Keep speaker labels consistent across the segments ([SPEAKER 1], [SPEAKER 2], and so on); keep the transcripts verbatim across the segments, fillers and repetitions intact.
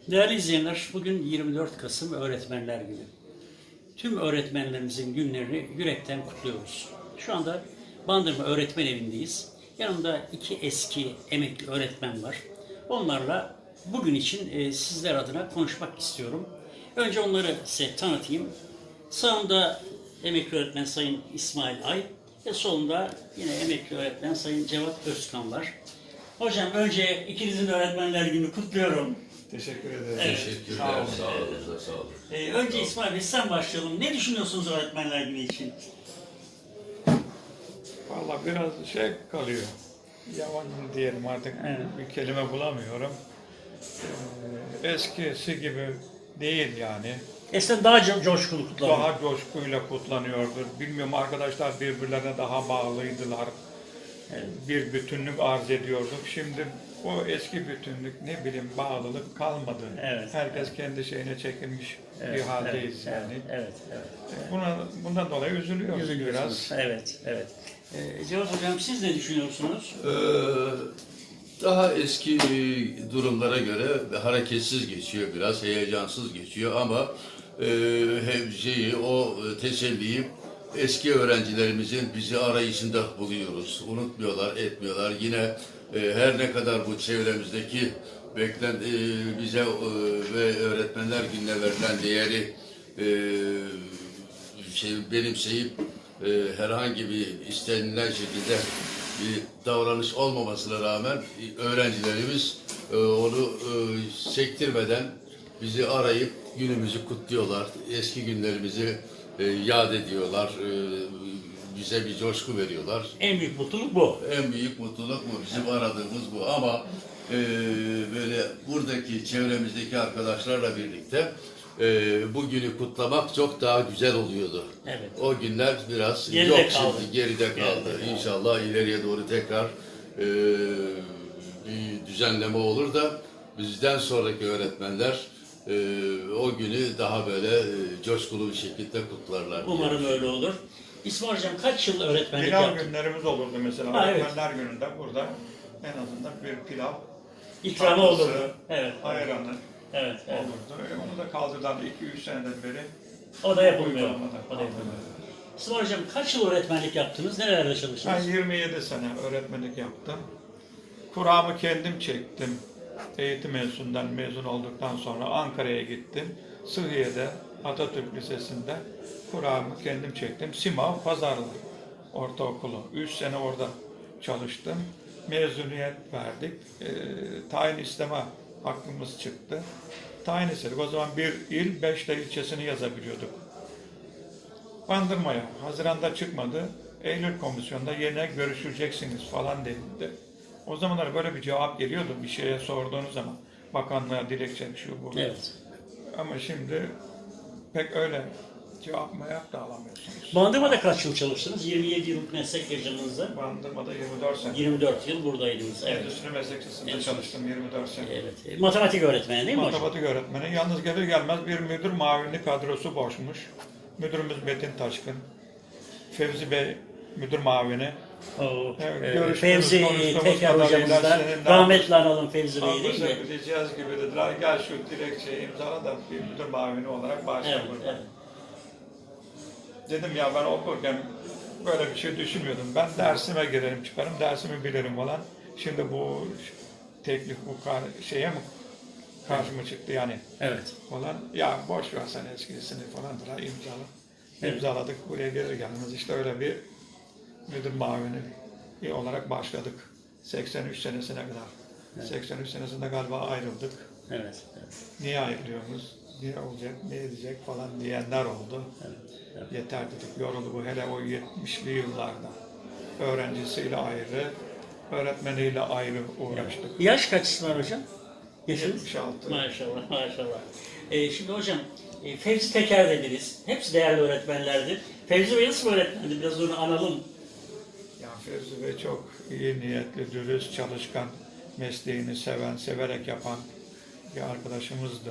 [SPEAKER 1] Değerli izleyenler, bugün yirmi dört Kasım Öğretmenler Günü. Tüm öğretmenlerimizin günlerini yürekten kutluyoruz. Şu anda Bandırma Öğretmen Evi'ndeyiz. Yanımda iki eski emekli öğretmen var. Onlarla bugün için e, sizler adına konuşmak istiyorum. Önce onları size tanıtayım. Sağımda emekli öğretmen Sayın İsmail Ay ve solunda yine emekli öğretmen Sayın Cevat Özkan var. Hocam önce ikinizin de Öğretmenler Günü kutluyorum.
[SPEAKER 2] Teşekkür ederim.
[SPEAKER 1] Evet.
[SPEAKER 3] Teşekkürler.
[SPEAKER 2] Sağ olun.
[SPEAKER 3] Sağ olun. Sağ olun.
[SPEAKER 1] Ee, önce İsmail Bey sen başlayalım. Ne düşünüyorsunuz Öğretmenler Günü için?
[SPEAKER 2] Valla biraz şey kalıyor. Yabancı diyelim artık,
[SPEAKER 1] Evet.
[SPEAKER 2] bir kelime bulamıyorum. Ee, eskisi gibi değil yani.
[SPEAKER 1] Eskiden daha co- coşkulu kutlanıyor.
[SPEAKER 2] Daha coşkuyla kutlanıyordur. Bilmiyorum, arkadaşlar birbirlerine daha bağlıydılar.
[SPEAKER 1] Evet.
[SPEAKER 2] Bir bütünlük arz ediyorduk. Şimdi o eski bütünlük, ne bileyim, bağlılık kalmadı.
[SPEAKER 1] Evet.
[SPEAKER 2] Herkes kendi şeyine çekilmiş
[SPEAKER 1] Evet,
[SPEAKER 2] bir haldeyiz
[SPEAKER 1] evet,
[SPEAKER 2] yani.
[SPEAKER 1] Evet, evet.
[SPEAKER 2] Buna, bundan dolayı üzülüyoruz
[SPEAKER 1] Üzülüyorsunuz.
[SPEAKER 2] biraz.
[SPEAKER 1] Evet, evet. Ee, Cevat Hocam siz ne düşünüyorsunuz?
[SPEAKER 3] Ee, daha eski e, durumlara göre hareketsiz geçiyor, biraz heyecansız geçiyor ama e, hem şeyi, o teselliyi eski öğrencilerimizin bizi arayışında buluyoruz. Unutmuyorlar, etmiyorlar. Yine e, her ne kadar bu çevremizdeki beklen e, bize e, ve öğretmenler gününe verilen değeri e, şey, benimseyip e, herhangi bir istenilen şekilde bir davranış olmamasına rağmen e, öğrencilerimiz e, onu e, sektirmeden bizi arayıp günümüzü kutluyorlar. Eski günlerimizi e, yad ediyorlar. E, bize bir coşku veriyorlar.
[SPEAKER 1] En büyük mutluluk bu.
[SPEAKER 3] En büyük mutluluk bu. Bizim aradığımız bu. Ama e, böyle buradaki çevremizdeki arkadaşlarla birlikte e, bu günü kutlamak çok daha güzel oluyordu.
[SPEAKER 1] Evet.
[SPEAKER 3] O günler biraz
[SPEAKER 1] Geride
[SPEAKER 3] yok
[SPEAKER 1] kaldı.
[SPEAKER 3] şimdi, geride kaldı.
[SPEAKER 1] Geride kaldı.
[SPEAKER 3] İnşallah ileriye doğru tekrar e, bir düzenleme olur da bizden sonraki öğretmenler e, o günü daha böyle e, coşkulu bir şekilde kutlarlar. diye
[SPEAKER 1] Umarım
[SPEAKER 3] düşünüyorum.
[SPEAKER 1] öyle olur. İsmail Hocam kaç yıl öğretmenlik
[SPEAKER 2] Pilav
[SPEAKER 1] yaptın?
[SPEAKER 2] günlerimiz olurdu mesela.
[SPEAKER 1] Ha, evet.
[SPEAKER 2] Öğretmenler gününde burada en azından bir pilav,
[SPEAKER 1] İkramı
[SPEAKER 2] tatlısı,
[SPEAKER 1] olurdu. Evet.
[SPEAKER 2] ayranı
[SPEAKER 1] Evet, evet.
[SPEAKER 2] olurdu. E, onu da kaldırdılar iki üç seneden beri.
[SPEAKER 1] O da yapılmıyor.
[SPEAKER 2] Uygulamada
[SPEAKER 1] O da yapılmıyor.
[SPEAKER 2] kaldırıldı.
[SPEAKER 1] İsmail Hocam kaç yıl öğretmenlik yaptınız? Nerelerde
[SPEAKER 2] Ben
[SPEAKER 1] çalıştınız?
[SPEAKER 2] yirmi yedi sene öğretmenlik yaptım. Kuramı kendim çektim. Eğitim enstitüsünden mezun olduktan sonra Ankara'ya gittim. Sıhhiye'de, Atatürk Lisesi'nde kuramı kendim çektim. Simav Pazarlı Ortaokulu. Üç sene orada çalıştım. Mezuniyet verdik. E, tayin isteme hakkımız çıktı. Tayin istedik. O zaman bir il, beş de ilçesini yazabiliyorduk. Bandırmaya. Haziran'da çıkmadı. Eylül komisyonda yerine görüşüleceksiniz falan denildi. O zamanlar böyle bir cevap geliyordu bir şeye sorduğunuz zaman. Bakanlığa dilekçe şu bu.
[SPEAKER 1] Evet.
[SPEAKER 2] Ama şimdi pek öyle cevap mayak da alamıyorsunuz.
[SPEAKER 1] Bandırma'da kaç yıl çalıştınız? yirmi yedi yıllık meslek yaşamınızda.
[SPEAKER 2] Bandırma'da yirmi dört sene.
[SPEAKER 1] yirmi dört yıl buradaydınız. Evet.
[SPEAKER 2] Endüstri Meslek Lisesi'nde
[SPEAKER 1] Evet.
[SPEAKER 2] çalıştım yirmi dört sene.
[SPEAKER 1] Evet. E, Matematik öğretmeni değil mi hocam?
[SPEAKER 2] Matematik öğretmeni. Yalnız gelir gelmez bir müdür mavinli kadrosu boşmuş. Müdürümüz Metin Taşkın. Fevzi Bey müdür mavini.
[SPEAKER 1] Oo,
[SPEAKER 2] Evet,
[SPEAKER 1] e,
[SPEAKER 2] görüştüğümüz,
[SPEAKER 1] Fevzi
[SPEAKER 2] konuştuğumuz
[SPEAKER 1] Teker
[SPEAKER 2] kadarıyla
[SPEAKER 1] hocamız da
[SPEAKER 2] seninle-
[SPEAKER 1] rahmetli analım Fevzi Bey değil
[SPEAKER 2] Anlaşıp
[SPEAKER 1] mi?
[SPEAKER 2] gideceğiz gibi dediler. Gel şu dilekçeyi imzala da bir müdür mavini olarak başla
[SPEAKER 1] Evet,
[SPEAKER 2] burada.
[SPEAKER 1] evet.
[SPEAKER 2] Dedim ya, ben okurken böyle bir şey düşünmüyordum. Ben dersime girerim çıkarım, dersimi bilirim falan. Şimdi bu teklif bu kar- şeye mi karşıma çıktı yani
[SPEAKER 1] Evet.
[SPEAKER 2] falan. Ya boş ver sen eskisini falan da imzala.
[SPEAKER 1] Evet.
[SPEAKER 2] İmzaladık, buraya gelir gelmez işte öyle bir müdür mavini olarak başladık. seksen üç senesine kadar.
[SPEAKER 1] Evet.
[SPEAKER 2] seksen üç senesinde galiba ayrıldık.
[SPEAKER 1] Evet. Evet.
[SPEAKER 2] Niye ayrılıyoruz? Niye olacak, ne edecek falan diyenler oldu.
[SPEAKER 1] Evet. Evet.
[SPEAKER 2] Yeter dedik, yoruldu bu hele o yetmişli yıllarda. Öğrencisiyle ayrı, öğretmeniyle ayrı uğraştık.
[SPEAKER 1] Yaş kaç var hocam? Yaşınız?
[SPEAKER 2] yetmiş altı.
[SPEAKER 1] Maşallah, maşallah. Ee, şimdi hocam, e, Fevzi Teker dediniz. Hepsi değerli öğretmenlerdir. Fevzi Bey nasıl bir öğretmendi? Biraz onu analım.
[SPEAKER 2] Ya Fevzi Bey çok iyi niyetli, dürüst, çalışkan, mesleğini seven, severek yapan bir arkadaşımızdı.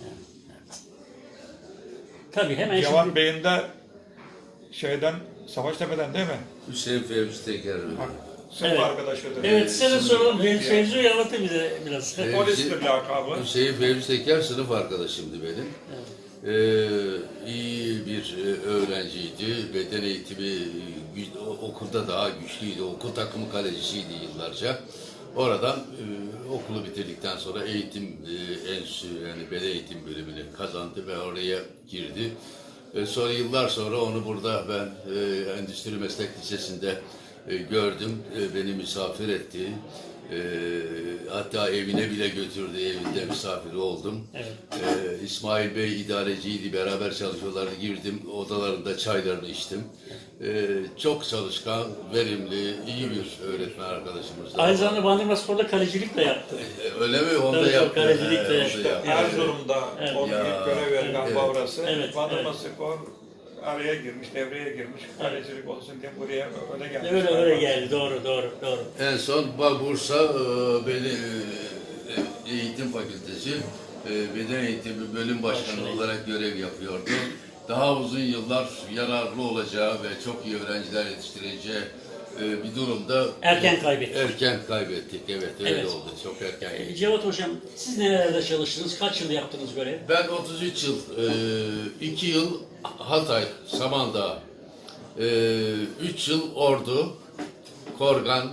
[SPEAKER 1] Tabii hemen
[SPEAKER 2] Cevat
[SPEAKER 1] şimdi...
[SPEAKER 2] Bey'in de şeyden, Savaştepe'den değil mi?
[SPEAKER 3] Hüseyin Fevzi Teker.
[SPEAKER 2] Bak, Sınıf
[SPEAKER 1] Evet.
[SPEAKER 2] arkadaşıdır.
[SPEAKER 1] Evet, size de
[SPEAKER 3] Şimdi-
[SPEAKER 1] soralım. Fevzi'yi anlatın bize biraz.
[SPEAKER 3] Evet.
[SPEAKER 2] Polistir lakabı.
[SPEAKER 3] Hüseyin Fevzi Teker sınıf arkadaşımdı benim. Ee, iyi bir e, öğrenciydi. Beden eğitimi gü- o- okulda daha güçlüydü. Okul takımı kalecisiydi yıllarca. Oradan e, okulu bitirdikten sonra eğitim e, enstitüsü yani beden eğitim bölümünü kazandı ve oraya girdi. E, sonra yıllar sonra onu burada ben e, Endüstri Meslek Lisesi'nde e, gördüm. E, beni misafir etti. E, hatta evine bile götürdü. Evinde misafiri oldum.
[SPEAKER 1] Evet.
[SPEAKER 3] E, İsmail Bey idareciydi. Beraber çalışıyorlardı. Girdim. Odalarında çaylarını içtim. E, çok çalışkan, verimli, iyi bir öğretmen arkadaşımız.
[SPEAKER 1] Aynı zamanda Bandırma Spor'da kalecilik de yaptı.
[SPEAKER 3] E, öyle mi? Onu
[SPEAKER 1] Tabii,
[SPEAKER 3] da yaptı.
[SPEAKER 1] kalecilik de
[SPEAKER 3] He, onu da
[SPEAKER 1] yaptı.
[SPEAKER 3] yaptı.
[SPEAKER 2] Erzurum'da
[SPEAKER 1] Evet.
[SPEAKER 2] onun
[SPEAKER 3] Ya,
[SPEAKER 2] ilk görev veri galiba
[SPEAKER 3] evet.
[SPEAKER 2] orası.
[SPEAKER 1] Evet,
[SPEAKER 2] Bandırma
[SPEAKER 1] evet.
[SPEAKER 2] Spor araya girmiş, devreye girmiş. Kalecilik olsun diye buraya öyle gelmiş.
[SPEAKER 1] Öyle öyle geldi. Doğru, doğru, doğru.
[SPEAKER 3] En son Ba- Bursa e, Beni e, Eğitim Fakültesi e, Beden Eğitimi Bölüm Başkanı
[SPEAKER 1] Başkanı.
[SPEAKER 3] olarak görev yapıyordu. Daha uzun yıllar yararlı olacağı ve çok iyi öğrenciler yetiştireceği e, bir durumda
[SPEAKER 1] Erken kaybettik.
[SPEAKER 3] Erken kaybettik. Evet, öyle
[SPEAKER 1] Evet.
[SPEAKER 3] oldu. Çok erken.
[SPEAKER 1] E, Cevat Hocam, siz nerelerde çalıştınız? Kaç yıl yaptınız görev?
[SPEAKER 3] Ben otuz üç yıl, iki yıl Hatay, Samandağ, üç yıl Ordu, Korgan,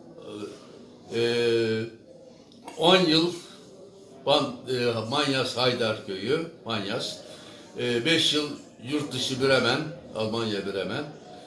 [SPEAKER 3] on yıl Ban, e, Manyas Haydarköy'ü, Manyas, beş yıl yurt dışı Bremen, Almanya Bremen,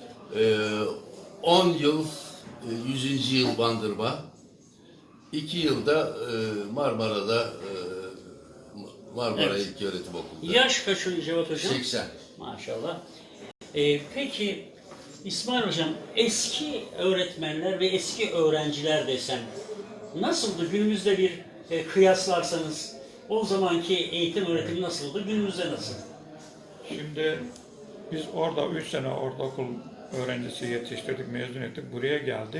[SPEAKER 3] on yıl e, yüzüncü yıl Bandırma, iki yılda e, Marmara'da e, Marmara
[SPEAKER 1] Evet.
[SPEAKER 3] İlköğretim Okulu'nda.
[SPEAKER 1] Yaş kaç oluyor Cevat Hocam?
[SPEAKER 3] seksen.
[SPEAKER 1] Maşallah. E, peki İsmail Hocam, eski öğretmenler ve eski öğrenciler desem nasıldı? Günümüzde bir e, kıyaslarsanız o zamanki eğitim öğretimi nasıldı? Günümüzde nasıl?
[SPEAKER 2] Şimdi biz orada üç sene ortaokul öğrencisi yetiştirdik, mezun ettik. Buraya geldik.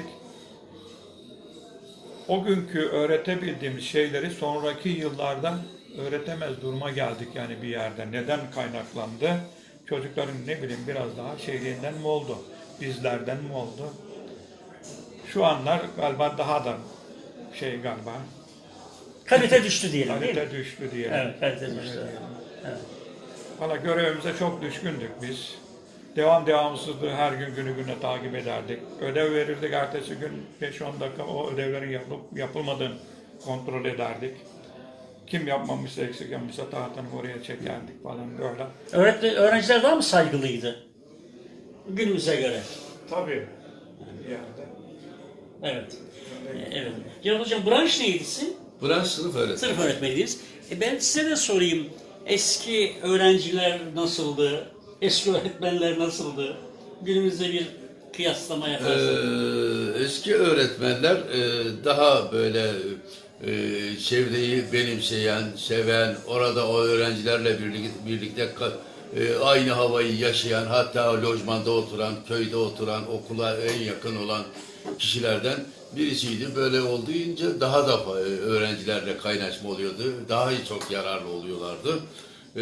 [SPEAKER 2] O günkü öğretebildiğimiz şeyleri sonraki yıllarda öğretemez duruma geldik yani bir yerde. Neden kaynaklandı? Çocukların ne bileyim biraz daha şeyliğinden mi oldu? Bizlerden mi oldu? Şu anlar galiba daha da şey galiba
[SPEAKER 1] Kalite düştü diyelim değil mi?
[SPEAKER 2] kalite düştü diyelim.
[SPEAKER 1] Evet, kalite düştü. Evet.
[SPEAKER 2] Valla görevimize çok düşkündük biz. Devam devamsızlığı her gün günü güne takip ederdik. Ödev verirdik, ertesi gün beş on dakika o ödevlerin yapılıp yapılmadığını kontrol ederdik. Kim yapmamışsa, eksik yapmışsa tahtını oraya çekerdik falan böyle.
[SPEAKER 1] Öğretmen, öğrenciler daha mı saygılıydı? Günümüze göre.
[SPEAKER 2] Tabii. Yani.
[SPEAKER 1] Evet. Evet. Cevat Hocam, branş neydi sizin?
[SPEAKER 3] Branş sınıf öğretmeni.
[SPEAKER 1] Sınıf öğretmeniydiniz. E ben size de sorayım. Eski öğrenciler nasıldı? Eski öğretmenler nasıldı? Günümüzde bir kıyaslama yaparsanız.
[SPEAKER 3] Ee, eski öğretmenler e, daha böyle e, çevreyi benimseyen, seven, orada o öğrencilerle birlikte, birlikte ka- e, aynı havayı yaşayan, hatta lojmanda oturan, köyde oturan, okula en yakın olan kişilerden birisiydi. Böyle olduğunca daha da e, öğrencilerle kaynaşma oluyordu. Daha çok yararlı oluyorlardı. Ee,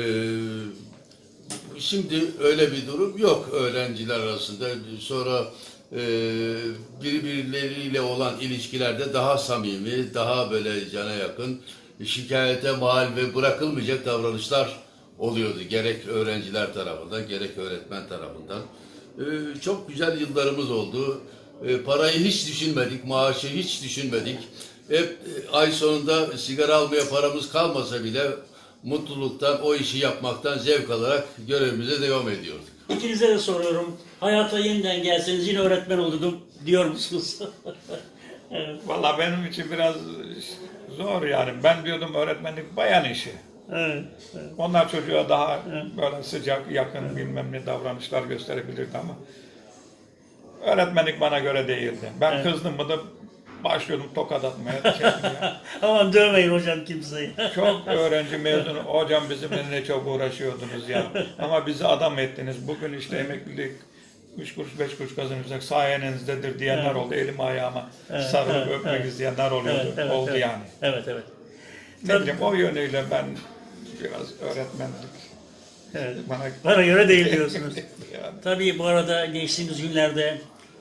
[SPEAKER 3] Şimdi öyle bir durum yok öğrenciler arasında. Sonra e, birbirleriyle olan ilişkilerde daha samimi, daha böyle cana yakın, şikayete mal ve bırakılmayacak davranışlar oluyordu. Gerek öğrenciler tarafından, gerek öğretmen tarafından. E, çok güzel yıllarımız oldu. E, parayı hiç düşünmedik, maaşı hiç düşünmedik. Hep e, ay sonunda sigara almaya paramız kalmasa bile mutluluktan, o işi yapmaktan zevk alarak görevimize devam ediyorduk.
[SPEAKER 1] İkinize de soruyorum. Hayata yeniden gelseniz yine öğretmen olurdum diyor musunuz? Evet.
[SPEAKER 2] Valla benim için biraz zor yani. Ben diyordum öğretmenlik bayan işi.
[SPEAKER 1] Evet. Evet.
[SPEAKER 2] Onlar çocuğa daha böyle sıcak, yakın bilmem ne davranışlar gösterebilirdi ama öğretmenlik bana göre değildi. Ben
[SPEAKER 1] Evet.
[SPEAKER 2] kızdım mı da başlıyordum tokat atmaya, çekmeye.
[SPEAKER 1] Aman dövmeyin hocam kimseyi.
[SPEAKER 2] Çok öğrenci mezunu, hocam bizimle ne çok uğraşıyordunuz ya. Ama bizi adam ettiniz. Bugün işte emeklilik üç kuruş beş kuruş kazanırsak sayenizdedir diyenler
[SPEAKER 1] Evet.
[SPEAKER 2] oldu. Elimi ayağıma
[SPEAKER 1] Evet,
[SPEAKER 2] sarılıp
[SPEAKER 1] evet,
[SPEAKER 2] öpmek
[SPEAKER 1] evet.
[SPEAKER 2] isteyenler oluyordu.
[SPEAKER 1] Evet, evet,
[SPEAKER 2] oldu
[SPEAKER 1] evet.
[SPEAKER 2] yani.
[SPEAKER 1] Evet, evet.
[SPEAKER 2] Ne
[SPEAKER 1] Tabii.
[SPEAKER 2] bileyim o yönüyle ben biraz öğretmenlik
[SPEAKER 1] Evet.
[SPEAKER 2] bana
[SPEAKER 1] Bana göre değil diyorsunuz.
[SPEAKER 2] yani.
[SPEAKER 1] Tabii bu arada geçtiğimiz günlerde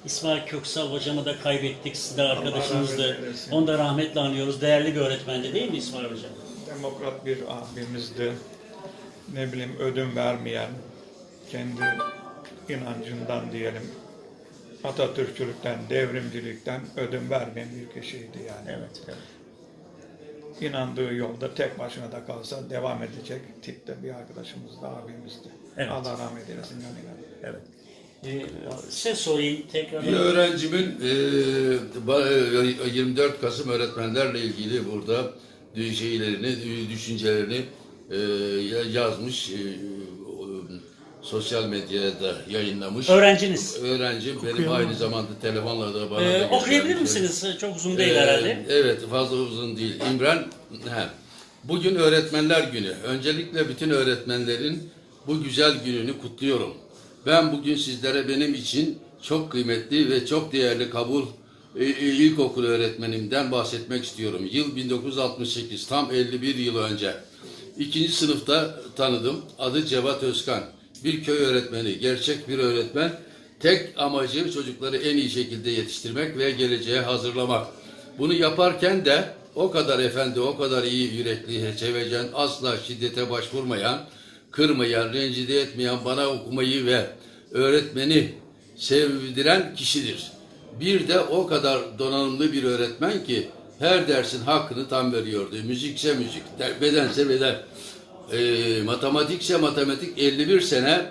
[SPEAKER 1] İsmail Köksal hocamı da kaybettik. Siz de
[SPEAKER 2] Allah
[SPEAKER 1] arkadaşımızdı.
[SPEAKER 2] rahmet eylesin.
[SPEAKER 1] Onu da rahmetle anıyoruz. Değerli bir öğretmendi değil mi İsmail hocam?
[SPEAKER 2] Demokrat bir abimizdi. Ne bileyim ödün vermeyen, kendi inancından diyelim, Atatürkçülükten, devrimcilikten ödün vermeyen bir kişiydi yani.
[SPEAKER 1] Evet, evet.
[SPEAKER 2] İnandığı yolda tek başına da kalsa devam edecek tipte bir arkadaşımızdı, abimizdi.
[SPEAKER 1] Evet.
[SPEAKER 2] Allah rahmet eylesin yanına.
[SPEAKER 1] Evet. Ee, size sorayım tekrar.
[SPEAKER 3] Bir öğrencimin e, ba- e, yirmi dört Kasım öğretmenlerle ilgili burada dü- şeylerini, dü- düşüncelerini e, yazmış, e, sosyal medyada yayınlamış.
[SPEAKER 1] Öğrenciniz.
[SPEAKER 3] Öğrencim benim aynı zamanda telefonla da bana
[SPEAKER 1] Ee,
[SPEAKER 3] da
[SPEAKER 1] okuyabilir
[SPEAKER 3] göstermiş.
[SPEAKER 1] misiniz? Çok uzun değil
[SPEAKER 3] Ee,
[SPEAKER 1] herhalde.
[SPEAKER 3] Evet, fazla uzun değil. İmran, he. Bugün Öğretmenler Günü. Öncelikle bütün öğretmenlerin bu güzel gününü kutluyorum. Ben bugün sizlere benim için çok kıymetli ve çok değerli kabul e, e, ilkokul öğretmenimden bahsetmek istiyorum. Yıl bin dokuz yüz altmış sekiz, tam elli bir yıl önce. İkinci sınıfta tanıdım. Adı Cevat Özkan. Bir köy öğretmeni, gerçek bir öğretmen. Tek amacı çocukları en iyi şekilde yetiştirmek ve geleceğe hazırlamak. Bunu yaparken de o kadar efendi, o kadar iyi yürekli, sevecen, asla şiddete başvurmayan, kırmayan, rencide etmeyen, bana okumayı ve öğretmeni sevdiren kişidir. Bir de o kadar donanımlı bir öğretmen ki her dersin hakkını tam veriyordu. Müzikse müzik, bedense beden, e, matematikse matematik. elli bir sene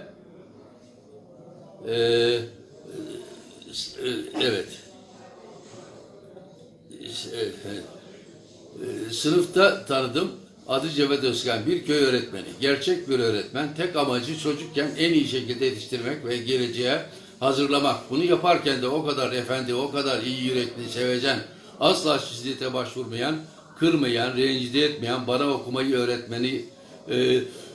[SPEAKER 3] e, e, evet e, e, sınıfta tanıdım. Adı Cevat Özkan, bir köy öğretmeni. Gerçek bir öğretmen. Tek amacı çocukken en iyi şekilde yetiştirmek ve geleceğe hazırlamak. Bunu yaparken de o kadar efendi, o kadar iyi yürekli, sevecen, asla şiddete başvurmayan, kırmayan, rencide etmeyen, bana okumayı öğretmeni e,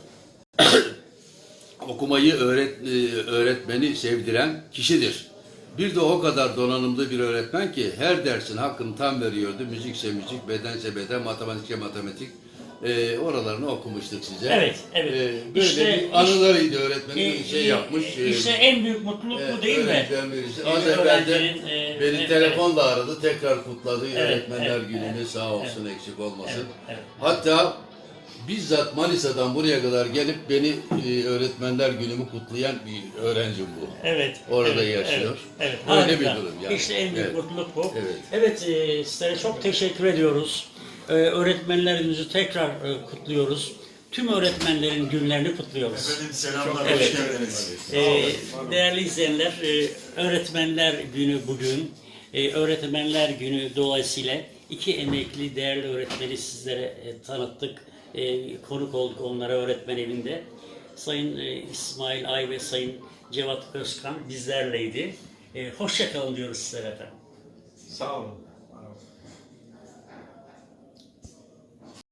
[SPEAKER 3] okumayı öğret, e, öğretmeni sevdiren kişidir. Bir de o kadar donanımlı bir öğretmen ki her dersin hakkını tam veriyordu. Müzikse müzik, bedense beden, matematikse matematik. E, oralarını okumuştuk size.
[SPEAKER 1] Evet, evet.
[SPEAKER 3] E, böyle
[SPEAKER 1] İşte-
[SPEAKER 3] bir anılarıydı öğretmenin
[SPEAKER 1] Ee,
[SPEAKER 3] bir şey yapmış. E,
[SPEAKER 1] İşte en büyük mutluluk bu değil mi?
[SPEAKER 3] öğretmen birisi.
[SPEAKER 1] Bir
[SPEAKER 3] Az evvel de
[SPEAKER 1] öğrencinin, e,
[SPEAKER 3] beni
[SPEAKER 1] evet,
[SPEAKER 3] telefonla aradı. Tekrar kutladı.
[SPEAKER 1] Evet,
[SPEAKER 3] Öğretmenler
[SPEAKER 1] evet,
[SPEAKER 3] gününü
[SPEAKER 1] evet,
[SPEAKER 3] sağ olsun, eksik olmasın.
[SPEAKER 1] Evet, evet.
[SPEAKER 3] Hatta bizzat Manisa'dan buraya kadar gelip beni e, öğretmenler günümü kutlayan bir öğrencim bu.
[SPEAKER 1] Evet.
[SPEAKER 3] Orada
[SPEAKER 1] evet,
[SPEAKER 3] yaşıyor.
[SPEAKER 1] Evet, evet.
[SPEAKER 3] Öyle
[SPEAKER 1] Harika.
[SPEAKER 3] bir durum yani.
[SPEAKER 1] İşte en büyük
[SPEAKER 3] Evet.
[SPEAKER 1] mutluluk bu.
[SPEAKER 3] Evet.
[SPEAKER 1] Evet, e, sizlere çok teşekkür ediyoruz. Ee, öğretmenlerimizi tekrar e, kutluyoruz. Tüm öğretmenlerin günlerini kutluyoruz.
[SPEAKER 4] Efendim selamlar,
[SPEAKER 1] Evet.
[SPEAKER 4] hoş geldiniz.
[SPEAKER 1] Ee, değerli izleyenler, e, Öğretmenler Günü bugün. E, Öğretmenler Günü dolayısıyla iki emekli değerli öğretmeni sizlere e, tanıttık. E, konuk olduk onlara öğretmen evinde. Sayın e, İsmail Ay ve Sayın Cevat Özkan bizlerleydi. E, hoşça kalın diyoruz sizlere efendim.
[SPEAKER 2] Sağ olun.